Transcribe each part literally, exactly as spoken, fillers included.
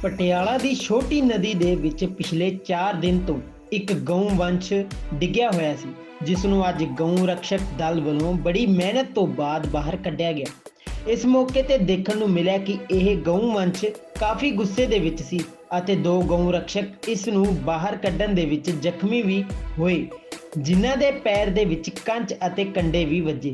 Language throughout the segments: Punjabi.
ਪਟਿਆਲਾ ਦੀ ਛੋਟੀ ਨਦੀ ਦੇ ਵਿੱਚ ਪਿਛਲੇ ਚਾਰ ਦਿਨ ਤੋਂ ਇੱਕ ਗਊ ਵੰਸ਼ ਡਿੱਗਿਆ ਹੋਇਆ ਸੀ, ਜਿਸ ਨੂੰ ਅੱਜ ਗਊ ਰਕਸ਼ਕ ਦਲ ਵੱਲੋਂ ਬੜੀ ਮਿਹਨਤ ਤੋਂ ਬਾਅਦ ਬਾਹਰ ਕੱਢਿਆ ਗਿਆ। ਇਸ ਮੌਕੇ ਤੇ ਦੇਖਣ ਨੂੰ ਮਿਲਿਆ ਕਿ ਇਹ ਗਊ ਵੰਸ਼ ਕਾਫੀ ਗੁੱਸੇ ਦੇ ਵਿੱਚ ਸੀ ਅਤੇ ਦੋ ਗਊ ਰਕਸ਼ਕ ਇਸ ਨੂੰ ਬਾਹਰ ਕੱਢਣ ਦੇ ਵਿੱਚ ਜ਼ਖਮੀ ਵੀ ਹੋਏ, ਜਿਨ੍ਹਾਂ ਦੇ ਪੈਰ ਦੇ ਵਿੱਚ ਕੰਚ ਅਤੇ ਕੰਡੇ ਵੀ ਵੱਜੇ।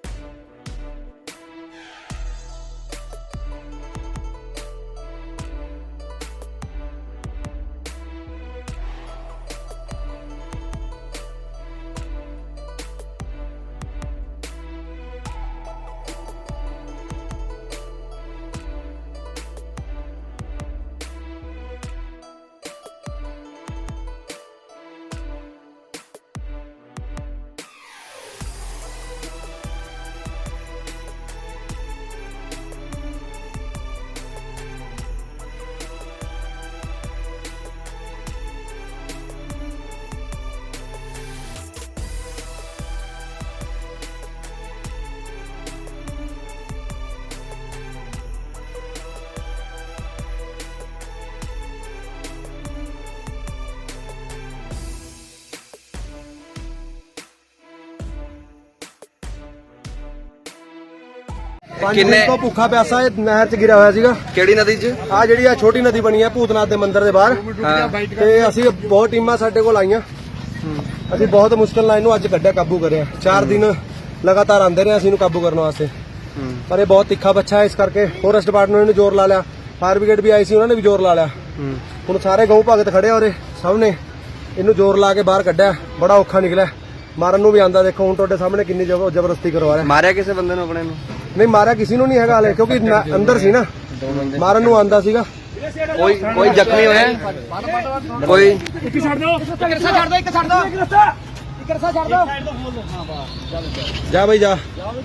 ਕਿੰਨੇ ਤੋਂ ਭੁੱਖਾ ਪਿਆਸਾ ਇਹ ਨਹਿਰ 'ਚ ਗਿਰਿਆ ਹੋਇਆ ਸੀਗਾ। ਕਿਹੜੀ ਨਦੀ 'ਚ? ਆ ਜਿਹੜੀ ਆ ਛੋਟੀ ਨਦੀ ਬਣੀ ਆ ਭੂਤਨਾਥ ਦੇ ਮੰਦਿਰ ਦੇ ਬਾਹਰ। ਤੇ ਅਸੀਂ ਬਹੁਤ ਟੀਮਾਂ ਸਾਡੇ ਕੋਲ ਆਈਆਂ, ਅਸੀਂ ਬਹੁਤ ਮੁਸ਼ਕਲ ਨਾਲ ਇਹਨੂੰ ਅੱਜ ਕੱਢਿਆ, ਕਾਬੂ ਕਰਿਆ। ਚਾਰ ਦਿਨ ਲਗਾਤਾਰ ਆਂਦੇ ਰਹੇ ਅਸੀਂ ਇਹਨੂੰ ਕਾਬੂ ਕਰਨ ਵਾਸਤੇ, ਪਰ ਇਹ ਬਹੁਤ ਤਿੱਖਾ ਬੱਚਾ ਹੈ, ਇਸ ਕਰਕੇ ਫੋਰੈਸਟ ਡਿਪਾਰਟਮੈਂਟ ਨੇ ਜ਼ੋਰ ਲਾ ਲਿਆ, ਫਾਇਰ ਬ੍ਰਿਗੇਡ ਵੀ ਆਈ ਸੀ, ਉਹਨਾਂ ਨੇ ਵੀ ਜ਼ੋਰ ਲਾ ਲਿਆ। ਹੁਣ ਸਾਰੇ ਗਊ ਭਗਤ ਖੜੇ ਔਰ ਸਭ ਨੇ ਇਹਨੂੰ ਜ਼ੋਰ ਲਾ ਕੇ ਬਾਹਰ ਕੱਢਿਆ। ਬੜਾ ਔਖਾ ਨਿਕਲਿਆ, ਮਾਰਨ ਨੂੰ ਵੀ ਆਂਦਾ। ਦੇਖੋ ਹੁਣ ਤੁਹਾਡੇ ਸਾਹਮਣੇ ਕਿੰਨੀ ਜ਼ਬਰਦਸਤੀ ਕਰਵਾ ਰਿਹਾ। ਮਾਰਿਆ ਕਿਸੇ ਬੰਦੇ ਨੂੰ ਆਪਣੇ ਨੂੰ? ਨਹੀਂ ਮਾਰਿਆ ਕਿਸੇ ਨੂੰ ਨਹੀਂ ਹੈਗਾ ਹਲੇ, ਕਿਉਂਕਿ ਅੰਦਰ ਸੀ ਨਾ, ਮਾਰਨ ਨੂੰ ਆਂਦਾ ਸੀਗਾ। ਕੋਈ ਕੋਈ ਜ਼ਖਮੀ ਹੋਇਆ? ਕੋਈ ਇੱਕ ਛੱਡ ਦਿਓ, ਇੱਕ ਰਸਾ ਛੱਡ ਦਿਓ, ਇੱਕ ਛੱਡ ਦਿਓ, ਇੱਕ ਰਸਾ ਇੱਕ ਰਸਾ ਛੱਡ ਦਿਓ। ਜਾ ਬਈ ਜਾ,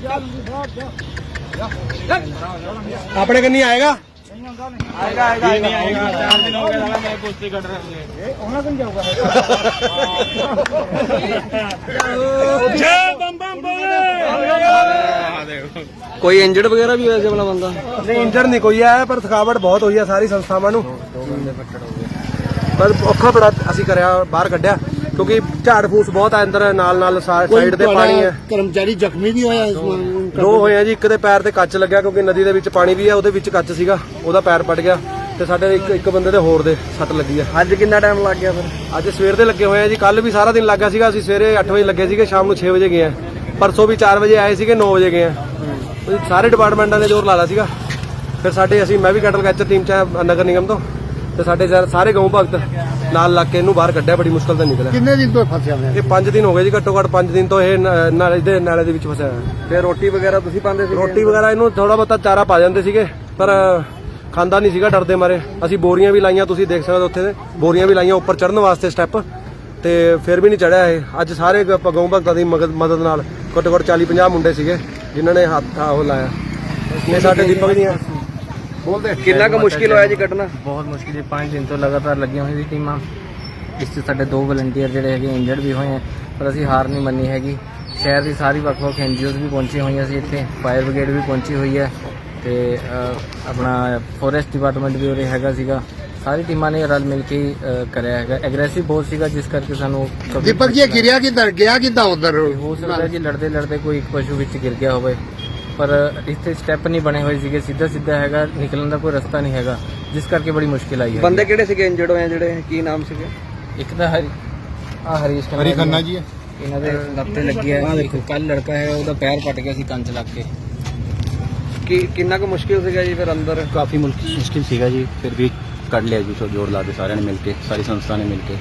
ਆਪਣੇ ਕੰਨੀ ਆਏਗਾ। ਆਏਗਾ ਆਏਗਾ ਨਹੀਂ ਆਏਗਾ। ਚਾਰ ਦਿਨ ਹੋ ਗਏ ਸਾਲਾ ਮੈਂ ਕੁਸ਼ਤੀ ਕੱਢ ਰਿਹਾ ਹਾਂ। ਇਹ ਉਹਨਾਂ ਕੋਲ ਜਾਊਗਾ। ਜੈ ਬੰਬ ਬੰਬ ਬੋਲੇ। ਕੋਈ ਇੰਜਰਡ ਵਗੈਰਾ ਵੀ ਹੋਇਆ ਸੀ ਆਪਣਾ ਬੰਦਾ? ਨਹੀਂ ਇੰਜਰ ਨਹੀਂ ਕੋਈ ਆਇਆ, ਪਰ ਥਕਾਵਟ ਬਹੁਤ ਹੋਈ ਹੈ ਸਾਰੀ ਸੰਸਥਾਵਾਂ ਨੂੰ। ਪਰ ਔਖਾ ਬੜਾ ਅਸੀਂ ਕਰਿਆ, ਬਾਹਰ ਕੱਢਿਆ, ਕਿਉਂਕਿ ਝਾੜ ਫੂਸ ਬਹੁਤ ਆ ਅੰਦਰ, ਨਾਲ ਨਾਲ ਸਾਈਡ ਤੇ ਪਾਣੀ ਹੈ। ਕਰਮਚਾਰੀ ਜ਼ਖਮੀ ਵੀ ਹੋਇਆ ਇਸ ਵਾਰ? ਦੋ ਹੋਏ ਆ ਜੀ, ਇੱਕ ਦੇ ਪੈਰ ਤੇ ਕੱਚ ਲੱਗਿਆ, ਕਿਉਂਕਿ ਨਦੀ ਦੇ ਵਿੱਚ ਪਾਣੀ ਵੀ ਹੈ, ਉਹਦੇ ਵਿੱਚ ਕੱਚ ਸੀਗਾ, ਉਹਦਾ ਪੈਰ ਪੜ ਗਿਆ। ਤੇ ਸਾਡੇ ਇੱਕ ਇੱਕ ਬੰਦੇ ਦੇ ਹੋਰ ਦੇ ਸੱਟ ਲੱਗੀ ਆ। ਅੱਜ ਕਿੰਨਾ ਟਾਈਮ ਲੱਗ ਗਿਆ ਫਿਰ? ਅੱਜ ਸਵੇਰ ਦੇ ਲੱਗੇ ਹੋਏ ਆ ਜੀ, ਕੱਲ ਵੀ ਸਾਰਾ ਦਿਨ ਲੱਗਾ ਸੀਗਾ। ਅਸੀਂ ਸਵੇਰੇ ਅੱਠ ਵਜੇ ਲੱਗੇ ਸੀਗੇ, ਸ਼ਾਮ ਨੂੰ ਛੇ ਵਜੇ ਗਏ ਆ। ਪਰਸੋਂ ਵੀ ਚਾਰ ਵਜੇ ਆਏ ਸੀਗੇ, ਨੌ ਵਜੇ ਗਏ ਆ। ਸਾਰੇ ਡਿਪਾਰਟਮੈਂਟਾਂ ਨੇ ਜ਼ੋਰ ਲਾਇਆ ਸੀਗਾ। ਫਿਰ ਸਾਡੇ ਅਸੀਂ ਮੈਂ ਵੀ ਕੈਟਲ ਕੈਚਰ ਟੀਮ ਚ ਨਗਰ ਨਿਗਮ ਤੋਂ, ਤੇ ਸਾਡੇ ਸਾਰੇ ਗਊ ਭਗਤ ਨਾਲ ਲੱਗ ਕੇ ਇਹਨੂੰ ਬਾਹਰ ਕੱਢਿਆ, ਬੜੀ ਮੁਸ਼ਕਲ ਤੇ ਨਿਕਲਿਆ। ਕਿੰਨੇ ਦਿਨ ਤੋਂ ਫਸਿਆ ਹੋਇਆ? ਇਹ ਪੰਜ ਦਿਨ ਹੋ ਗਏ ਜੀ, ਘੱਟੋ ਘੱਟ ਪੰਜ ਦਿਨ ਤੋਂ ਇਹ ਨਾਲੇ ਦੇ ਨਾਲੇ ਦੇ ਵਿੱਚ ਫਸਿਆ ਹੋਇਆ। ਫਿਰ ਰੋਟੀ ਵਗੈਰਾ ਤੁਸੀਂ ਪਾਉਂਦੇ ਸੀ? ਰੋਟੀ ਵਗੈਰਾ ਇਹਨੂੰ ਥੋੜਾ ਬਹੁਤਾ ਚਾਰਾ ਪਾ ਜਾਂਦੇ ਸੀਗੇ, ਪਰ ਖਾਂਦਾ ਨਹੀਂ ਸੀਗਾ, ਡਰਦੇ ਮਾਰੇ। ਅਸੀਂ ਬੋਰੀਆਂ ਵੀ ਲਾਈਆਂ, ਤੁਸੀਂ ਦੇਖ ਸਕਦੇ ਹੋ ਉੱਥੇ ਦੇ ਬੋਰੀਆਂ ਵੀ ਲਾਈਆਂ ਉੱਪਰ ਚੜ੍ਹਨ ਵਾਸਤੇ ਸਟੈਪ, ਤੇ ਫਿਰ ਵੀ ਨਹੀਂ ਚੜਿਆ ਇਹ। ਅੱਜ ਸਾਰੇ ਗਊ ਭਗਤਾਂ ਦੀ ਮਦਦ ਨਾਲ ਘੱਟੋ ਘੱਟ ਚਾਲੀ ਪੰਜਾਹ ਮੁੰਡੇ ਸੀਗੇ ਜਿਨ੍ਹਾਂ ਨੇ ਹੱਥ ਉਹ ਲਾਇਆ। ਇਹ ਸਾਡੇ ਦੀਪਕ ਦੀਆਂ ਬੋਲਦੇ। ਕਿੰਨਾ ਕੁ ਮੁਸ਼ਕਿਲ ਹੋਇਆ ਜੀ ਕੱਢਣਾ? ਬਹੁਤ ਮੁਸ਼ਕਿਲ ਜੀ, ਪੰਜ ਦਿਨ ਤੋਂ ਲਗਾਤਾਰ ਲੱਗੀਆਂ ਹੋਈਆਂ ਸੀ ਟੀਮਾਂ। ਇਸ 'ਚ ਸਾਡੇ ਦੋ ਵਲੰਟੀਅਰ ਜਿਹੜੇ ਹੈਗੇ ਇੰਜਰਡ ਵੀ ਹੋਏ ਆ, ਪਰ ਅਸੀਂ ਹਾਰ ਨਹੀਂ ਮੰਨੀ ਹੈਗੀ। ਸ਼ਹਿਰ ਦੀ ਸਾਰੀ ਵੱਖ ਵੱਖ ਐਨ ਜੀ ਓਜ਼ ਵੀ ਪਹੁੰਚੀ ਹੋਈਆਂ ਸੀ ਇੱਥੇ, ਫਾਇਰ ਬ੍ਰਿਗੇਡ ਵੀ ਪਹੁੰਚੀ ਹੋਈ ਹੈ, ਤੇ ਆਪਣਾ ਫੋਰੈਸਟ ਡਿਪਾਰਟਮੈਂਟ ਵੀ ਉਰੇ ਹੈਗਾ ਸੀਗਾ। ਸਾਰੀ ਟੀਮਾਂ ਨੇ ਰਲ ਮਿਲ ਕੇ ਕਰਿਆ ਹੈਗਾ। ਐਗਰੈਸਿਵ ਬਹੁਤ ਸੀਗਾ, ਜਿਸ ਕਰਕੇ ਸਾਨੂੰ ਦੀਪਕ ਜੀ ਗਿਰਿਆ ਕਿੱਧਰ ਗਿਆ, ਕਿੱਦਾਂ ਉਧਰ? ਹੋ ਸਕਦਾ ਜੀ ਲੜਦੇ ਲੜਦੇ ਕੋਈ ਇੱਕ ਪਸ਼ੂ ਵਿੱਚ ਗਿਰ ਗਿਆ ਹੋਵੇ, ਪਰ ਇੱਥੇ ਸਟੈਪ ਨਹੀਂ ਬਣੇ ਹੋਏ ਸੀਗੇ, ਸਿੱਧਾ ਸਿੱਧਾ ਹੈਗਾ, ਨਿਕਲਣ ਦਾ ਕੋਈ ਰਸਤਾ ਨਹੀਂ ਹੈਗਾ, ਜਿਸ ਕਰਕੇ ਬੜੀ ਮੁਸ਼ਕਿਲ ਆਈ ਹੈ। ਬੰਦੇ ਕਿਹੜੇ ਸੀਗੇ ਇੰਜਰਡ ਹੋਏ ਜਿਹੜੇ? ਕੀ ਨਾਮ ਸੀਗੇ? ਇੱਕ ਤਾਂ ਹਰੀ ਆ ਹਰੀਸ਼ ਹਰੀ ਖੰਨਾ ਜੀ ਹੈ, ਇਹਨਾਂ ਦੇ ਲੱਤ ਤੇ ਲੱਗੀ ਹੈ। ਇੱਕ ਕੱਲ ਲੜਕਾ ਹੈ, ਉਹਦਾ ਪੈਰ ਪਟ ਗਿਆ ਸੀ ਕੰਚ ਲੱਗ ਕੇ। ਕੀ ਕਿੰਨਾ ਕੁ ਮੁਸ਼ਕਿਲ ਸੀਗਾ ਜੀ ਫਿਰ ਅੰਦਰ? ਕਾਫੀ ਮੁਸ਼ਕਿਲ ਸੀਗਾ ਜੀ, ਫਿਰ ਵੀ ਕੱਢ ਲਿਆ ਜੀ, ਸੋ ਜੋਰ ਲਾ ਕੇ ਸਾਰਿਆਂ ਨੇ ਮਿਲ ਕੇ, ਸਾਰੀ ਸੰਸਥਾ ਨੇ ਮਿਲ ਕੇ।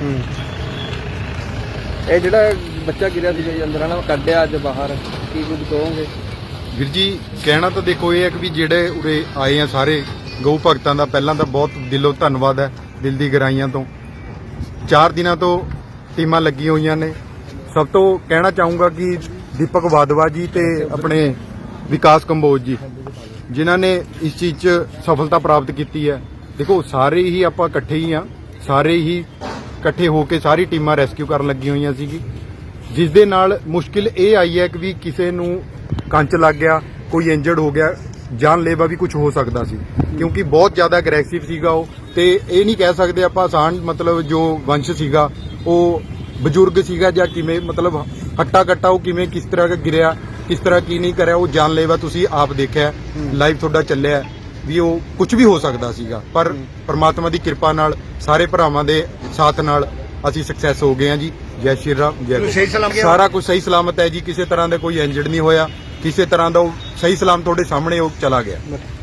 ਇਹ ਜਿਹੜਾ ਬੱਚਾ ਗਿਰਿਆ ਸੀਗਾ ਜੀ ਅੰਦਰ, ਨਾ ਕੱਢਿਆ ਅੱਜ ਬਾਹਰ, ਕੀ ਕੁਝ ਕਹੋਗੇ? ਵੀਰ ਜੀ ਕਹਿਣਾ ਤਾਂ ਦੇਖੋ ਇਹ ਹੈ ਕਿ ਵੀ ਜਿਹੜੇ ਉਰੇ ਆਏ ਆ ਸਾਰੇ ਗਊ ਭਗਤਾਂ ਦਾ ਪਹਿਲਾਂ ਤਾਂ ਬਹੁਤ ਦਿਲੋਂ ਧੰਨਵਾਦ ਹੈ, ਦਿਲ ਦੀ ਗਹਿਰਾਈਆਂ ਤੋਂ। ਚਾਰ ਦਿਨਾਂ ਤੋਂ ਟੀਮਾਂ ਲੱਗੀਆਂ ਹੋਈਆਂ ਨੇ। ਸਭ ਤੋਂ ਕਹਿਣਾ ਚਾਹੂੰਗਾ ਕਿ ਦੀਪਕ ਵਾਧਵਾ ਜੀ ਤੇ ਆਪਣੇ ਵਿਕਾਸ ਕੰਬੋਜ ਜੀ, ਜਿਨ੍ਹਾਂ ਨੇ ਇਸ ਚੀਜ਼ 'ਚ ਸਫਲਤਾ ਪ੍ਰਾਪਤ ਕੀਤੀ ਹੈ। ਦੇਖੋ ਸਾਰੇ ਹੀ ਆਪਾਂ ਇਕੱਠੇ ਹੀ ਆ, ਸਾਰੇ ਹੀ ਇਕੱਠੇ ਹੋ ਕੇ ਸਾਰੀ ਟੀਮਾਂ ਰੈਸਕਿਊ ਕਰਨ ਲੱਗੀਆਂ ਹੋਈਆਂ ਸੀਗੀ, ਜਿਸ ਦੇ ਨਾਲ ਮੁਸ਼ਕਿਲ ਇਹ ਆਈ ਹੈ ਕਿ ਵੀ ਕਿਸੇ ਨੂੰ ਕੰਚ ਲੱਗ ਗਿਆ, ਕੋਈ ਇੰਜਰਡ ਹੋ ਗਿਆ, ਜਾਨਲੇਵਾ ਵੀ ਕੁਝ ਹੋ ਸਕਦਾ ਸੀ, ਕਿਉਂਕਿ ਬਹੁਤ ਜ਼ਿਆਦਾ ਅਗਰੈਸਿਵ ਸੀਗਾ ਉਹ। ਤੇ ਇਹ ਨਹੀਂ ਕਹਿ ਸਕਦੇ ਆਪਾਂ ਆਸਾਨ, ਮਤਲਬ ਜੋ ਵੰਸ਼ ਸੀਗਾ ਉਹ ਬਜ਼ੁਰਗ ਸੀਗਾ ਜਾਂ ਕਿਵੇਂ, ਮਤਲਬ ਹੱਟਾ ਕੱਟਾ ਉਹ ਕਿਵੇਂ ਕਿਸ ਤਰ੍ਹਾਂ ਗਿਰਿਆ, ਕਿਸ ਤਰ੍ਹਾਂ ਕੀ ਨਹੀਂ ਕਰਿਆ, ਉਹ ਜਾਨਲੇਵਾ ਤੁਸੀਂ ਆਪ ਦੇਖਿਆ, ਲਾਈਵ ਤੁਹਾਡਾ ਚੱਲਿਆ ਵੀ ਉਹ ਕੁਝ ਵੀ ਹੋ ਸਕਦਾ ਸੀਗਾ। ਪਰ ਪ੍ਰਮਾਤਮਾ ਦੀ ਕਿਰਪਾ ਨਾਲ, ਸਾਰੇ ਭਰਾਵਾਂ ਦੇ ਸਾਥ ਨਾਲ ਅਸੀਂ ਸਕਸੈਸ ਹੋ ਗਏ ਹਾਂ ਜੀ। ਜੈ ਸ਼੍ਰੀ ਰਾਮ, ਜੈ ਗੋ। ਸਾਰਾ ਕੁਝ ਸਹੀ ਸਲਾਮਤ ਹੈ ਜੀ, ਕਿਸੇ ਤਰ੍ਹਾਂ ਦਾ ਕੋਈ ਇੰਜਰਡ ਨਹੀਂ ਹੋਇਆ, ਕਿਸੇ ਤਰ੍ਹਾਂ ਦਾ ਉਹ ਸਹੀ ਸਲਾਮ ਤੁਹਾਡੇ ਸਾਹਮਣੇ ਉਹ ਚਲਾ ਗਿਆ।